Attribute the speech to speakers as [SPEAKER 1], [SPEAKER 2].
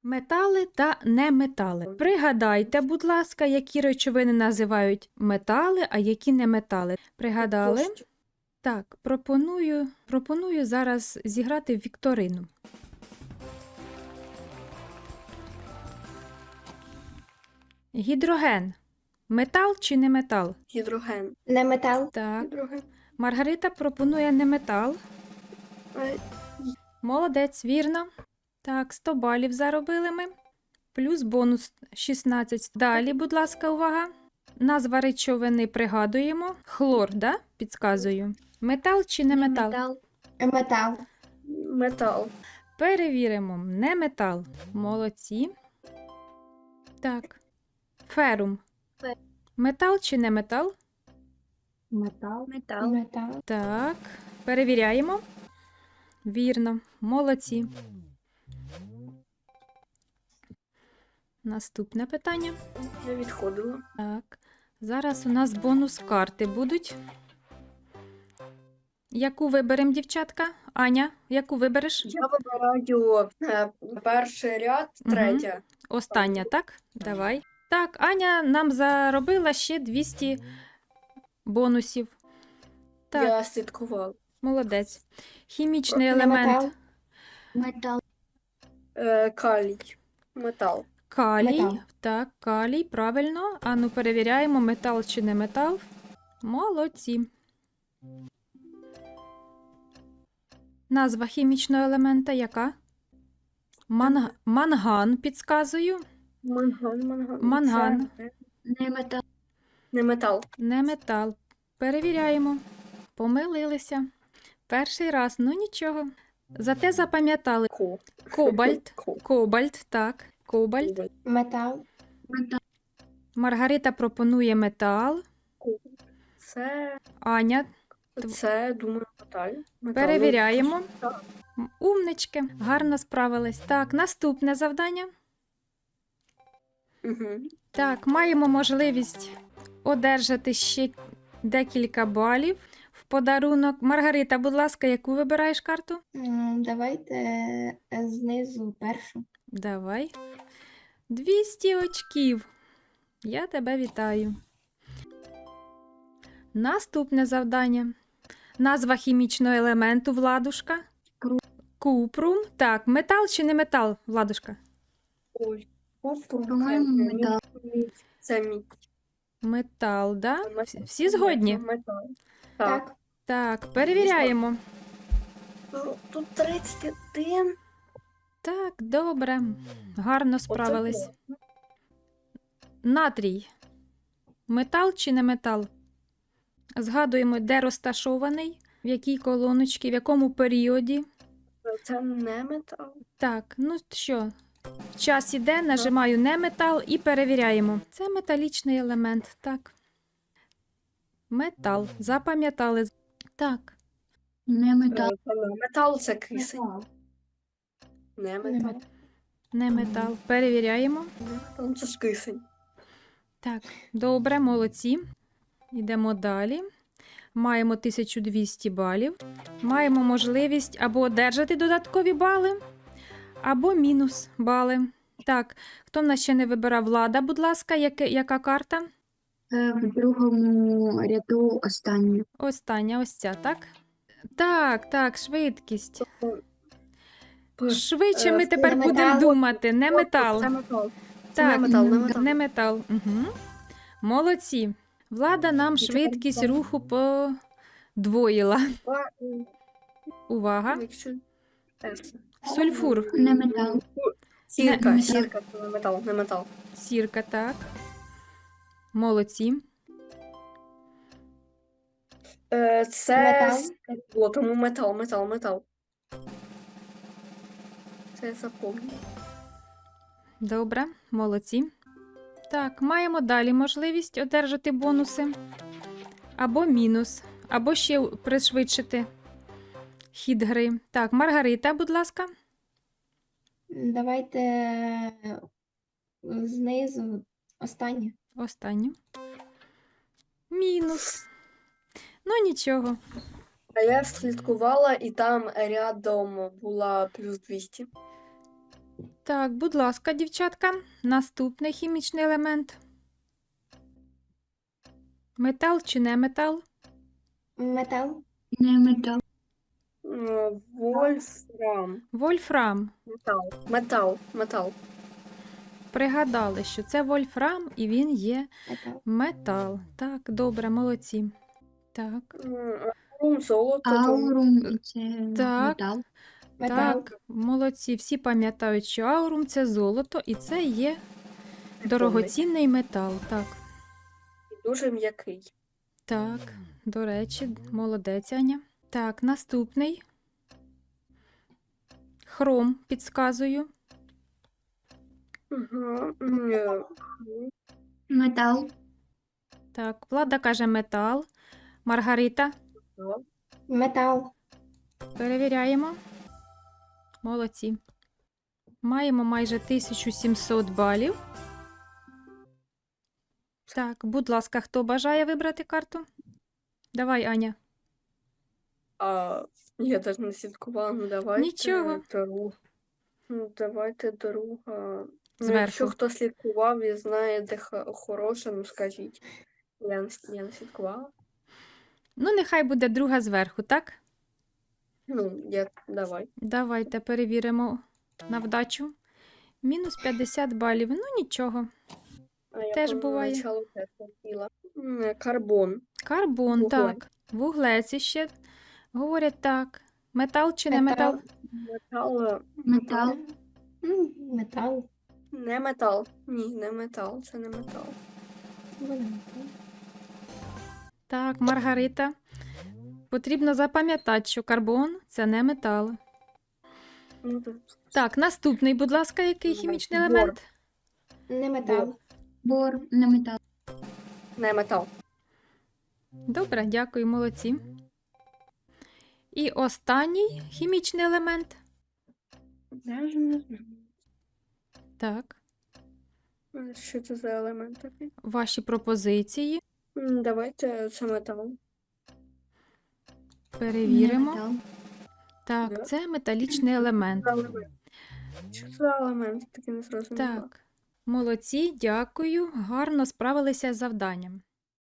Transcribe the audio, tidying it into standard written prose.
[SPEAKER 1] Метали та неметали. Пригадайте, будь ласка, які речовини називають метали, а які не метали. Пригадали? Так, пропоную зараз зіграти в вікторину. Гідроген. Метал чи не метал?
[SPEAKER 2] Гідроген.
[SPEAKER 3] Не метал.
[SPEAKER 1] Так.
[SPEAKER 2] Гідроген.
[SPEAKER 1] Маргарита пропонує не метал.
[SPEAKER 2] Е,
[SPEAKER 1] Молодець, вірно. Так, 100 балів заробили ми. Плюс бонус 16. Далі, будь ласка, увага. Назва речовини пригадуємо. Хлор, да? Підказую. Метал чи не метал?
[SPEAKER 3] Метал.
[SPEAKER 2] Метал.
[SPEAKER 1] Перевіримо. Не метал. Молодці. Так. Ферум. Метал чи не метал?
[SPEAKER 3] Метал.
[SPEAKER 2] Метал.
[SPEAKER 3] Метал.
[SPEAKER 1] Так. Перевіряємо. Вірно. Молодці. Наступне питання.
[SPEAKER 2] Я відходила.
[SPEAKER 1] Так. Зараз у нас бонус карти будуть. Яку виберемо, дівчатка? Аня, яку вибереш?
[SPEAKER 2] Я вибираю перший ряд,
[SPEAKER 1] Мгм.
[SPEAKER 2] третя.
[SPEAKER 1] Остання, так? Давай. Так, Аня нам заробила ще 200 бонусів. Так,
[SPEAKER 2] Я слідкувала.
[SPEAKER 1] молодець. Хімічний
[SPEAKER 3] Не
[SPEAKER 1] елемент
[SPEAKER 3] метал. Метал.
[SPEAKER 2] Калій. Метал.
[SPEAKER 1] калій.
[SPEAKER 3] Метал.
[SPEAKER 1] Так, калій, правильно. Ану, перевіряємо, метал чи не метал. Молодці. Назва хімічного елемента яка? Манган, підказую.
[SPEAKER 2] Манган.
[SPEAKER 1] Манган.
[SPEAKER 2] Це
[SPEAKER 3] Не метал.
[SPEAKER 2] не метал.
[SPEAKER 1] Не метал. Перевіряємо. Помилилися. Перший раз, ну нічого. Зате запам'ятали. Кобальт. Кобальт, так. Кобальт.
[SPEAKER 3] Метал.
[SPEAKER 1] Маргарита пропонує метал.
[SPEAKER 2] Це,
[SPEAKER 1] Аня,
[SPEAKER 2] думаю, метал.
[SPEAKER 1] перевіряємо.
[SPEAKER 2] Так.
[SPEAKER 1] Умнички, гарно справились. Так, наступне завдання.
[SPEAKER 2] Угу.
[SPEAKER 1] Так, маємо можливість одержати ще декілька балів в подарунок. Маргарита, будь ласка, яку вибираєш карту?
[SPEAKER 3] Давайте знизу першу.
[SPEAKER 1] Давай. 200 очків. Я тебе вітаю. Наступне завдання. Назва хімічного елементу, Владушка. Купрум. Так, метал чи не метал, Владушка?
[SPEAKER 2] Ой.
[SPEAKER 3] По-моєму, метал.
[SPEAKER 2] Це мідь.
[SPEAKER 1] Метал, да?
[SPEAKER 2] Метал.
[SPEAKER 1] Всі згодні?
[SPEAKER 2] Метал. Так.
[SPEAKER 3] Так.
[SPEAKER 1] Так, перевіряємо.
[SPEAKER 2] Тут 31.
[SPEAKER 1] Так, добре. Гарно справились.
[SPEAKER 2] Оце
[SPEAKER 1] Натрій. Метал чи не метал? Згадуємо, де розташований, в якій колоночці, в якому періоді.
[SPEAKER 2] Це не метал.
[SPEAKER 1] Так, ну що, час іде, нажимаю не метал і перевіряємо. Це металічний елемент, так. Метал. Запам'ятали. Так,
[SPEAKER 3] Не метал.
[SPEAKER 2] Метал це кисень. Не метал.
[SPEAKER 1] не метал. Перевіряємо.
[SPEAKER 2] Метал це ж кисень.
[SPEAKER 1] Так, добре, молодці. Йдемо далі. Маємо 1200 балів. Маємо можливість або одержати додаткові бали, або мінус бали. Так, хто в нас ще не вибирав? Влада, будь ласка, яка карта?
[SPEAKER 3] В другому ряду останню.
[SPEAKER 1] Остання, ось ця, так? Так, швидкість. Швидше ми тепер
[SPEAKER 3] не
[SPEAKER 1] будемо
[SPEAKER 3] метал.
[SPEAKER 1] думати. Не метал.
[SPEAKER 2] Це метал. Це
[SPEAKER 1] Так,
[SPEAKER 2] не метал, не метал.
[SPEAKER 1] не метал. Угу. Молодці. Влада нам швидкість руху подвоїла. Увага. Сульфур.
[SPEAKER 3] Не метал.
[SPEAKER 2] Сірка,
[SPEAKER 1] Не-
[SPEAKER 2] сірка, це не метал, не метал.
[SPEAKER 1] Сірка, так. Молодці.
[SPEAKER 2] Це
[SPEAKER 3] Метал.
[SPEAKER 2] стекло, тому метал. Це я запомню.
[SPEAKER 1] Добре, молодці. Так, маємо далі можливість одержати бонуси. Або мінус, або ще пришвидшити хід гри. Так, Маргарита, будь ласка.
[SPEAKER 3] Давайте знизу останню.
[SPEAKER 1] Останню. Мінус. Ну, нічого.
[SPEAKER 2] А я слідкувала, і там рядом була плюс 200.
[SPEAKER 1] Так, будь ласка, дівчатка, наступний хімічний елемент. Метал чи не метал?
[SPEAKER 3] Метал. Не метал.
[SPEAKER 2] Вольфрам.
[SPEAKER 1] Вольфрам.
[SPEAKER 2] Метал.
[SPEAKER 1] Пригадали, що це вольфрам і він є
[SPEAKER 3] Метал.
[SPEAKER 1] метал. Так, добре, молодці. Так,
[SPEAKER 2] Аурум, золото.
[SPEAKER 3] Аурум це
[SPEAKER 1] Так.
[SPEAKER 3] метал.
[SPEAKER 1] так, молодці. Всі пам'ятають, що аурум це золото і це є дорогоцінний метал. Так,
[SPEAKER 2] Дуже м'який.
[SPEAKER 1] так, до речі, молодець, Аня. Так, наступний. Хром, підказую.
[SPEAKER 2] Угу.
[SPEAKER 3] Метал.
[SPEAKER 1] Так, Влада каже метал. Маргарита,
[SPEAKER 3] Метал.
[SPEAKER 1] перевіряємо. Молодці. Маємо майже 1700 балів. Так, будь ласка, хто бажає вибрати карту? Давай, Аня.
[SPEAKER 2] Я теж не слідкувала, ну давайте
[SPEAKER 1] Нічого.
[SPEAKER 2] другу. Ну, давайте друга. Ну,
[SPEAKER 1] Зверху.
[SPEAKER 2] якщо хто слідкував і знає, де хороше, ну скажіть. Я не слідкувала.
[SPEAKER 1] Ну, нехай буде друга зверху, так?
[SPEAKER 2] Ну, давай.
[SPEAKER 1] Давайте перевіримо на вдачу. Мінус 50 балів. Ну, нічого.
[SPEAKER 2] А я
[SPEAKER 1] Теж буває.
[SPEAKER 2] поначалу теж хотіла. Карбон.
[SPEAKER 1] Карбон,
[SPEAKER 2] Вуглець.
[SPEAKER 1] так. Вуглець іще. говорять так. Метал чи не
[SPEAKER 3] Метал.
[SPEAKER 1] метал?
[SPEAKER 2] Метал.
[SPEAKER 3] Метал. Метал.
[SPEAKER 2] Не метал. Ні, не метал. Це не метал.
[SPEAKER 1] Так, Маргарита. Потрібно запам'ятати, що карбон це не метал.
[SPEAKER 2] Ну, тут
[SPEAKER 1] Так, наступний, будь ласка, який хімічний
[SPEAKER 2] Бор.
[SPEAKER 1] елемент?
[SPEAKER 3] Не метал. Бор. Не метал.
[SPEAKER 2] не метал.
[SPEAKER 1] Добре, дякую, молодці. І останній хімічний елемент.
[SPEAKER 2] Даже не знаю.
[SPEAKER 1] Так,
[SPEAKER 2] Що це за елемент такий?
[SPEAKER 1] ваші пропозиції.
[SPEAKER 2] Давайте це метал.
[SPEAKER 1] Перевіримо.
[SPEAKER 3] Не метал.
[SPEAKER 1] Так,
[SPEAKER 2] Да.
[SPEAKER 1] це металічний елемент.
[SPEAKER 2] Що це за елемент? Таки не зрозуміла.
[SPEAKER 1] Так, молодці, дякую. Гарно справилися з завданням.